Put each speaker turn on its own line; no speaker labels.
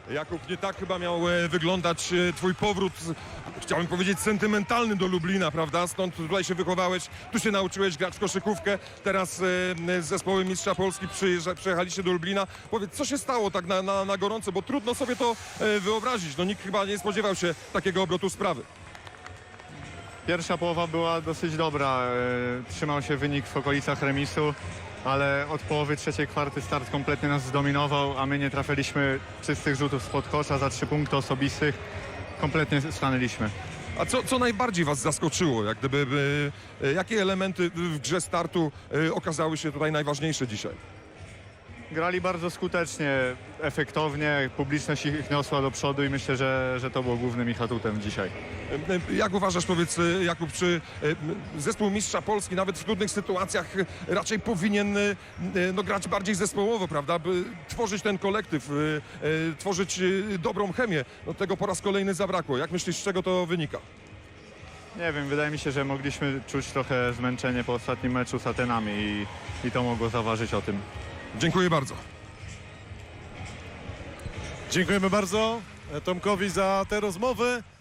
Jakub, nie tak chyba miał wyglądać twój powrót, chciałbym powiedzieć sentymentalny do Lublina, prawda? Stąd tutaj się wychowałeś, tu się nauczyłeś grać w koszykówkę, teraz z zespołem Mistrza Polski przyjechaliście do Lublina. Powiedz, co się stało tak na gorąco, bo trudno sobie to wyobrazić. No nikt chyba nie spodziewał się takiego obrotu sprawy.
Pierwsza połowa była dosyć dobra, trzymał się wynik w okolicach remisu, ale od połowy trzeciej kwarty start kompletnie nas zdominował, a my nie trafiliśmy czystych rzutów spod kosza za 3 punkty osobistych. Kompletnie stanęliśmy.
A co najbardziej was zaskoczyło? Jak gdyby, jakie elementy w grze startu okazały się tutaj najważniejsze dzisiaj?
Grali bardzo skutecznie, efektownie, publiczność ich niosła do przodu i myślę, że to było głównym ich atutem dzisiaj.
Jak uważasz, powiedz Jakub, czy zespół Mistrza Polski nawet w trudnych sytuacjach raczej powinien no, grać bardziej zespołowo, prawda? By tworzyć ten kolektyw, tworzyć dobrą chemię. No, tego po raz kolejny zabrakło. Jak myślisz, z czego to wynika?
Nie wiem, wydaje mi się, że mogliśmy czuć trochę zmęczenie po ostatnim meczu z Atenami i to mogło zaważyć o tym.
Dziękuję bardzo.
Dziękujemy bardzo Tomkowi za tę rozmowę.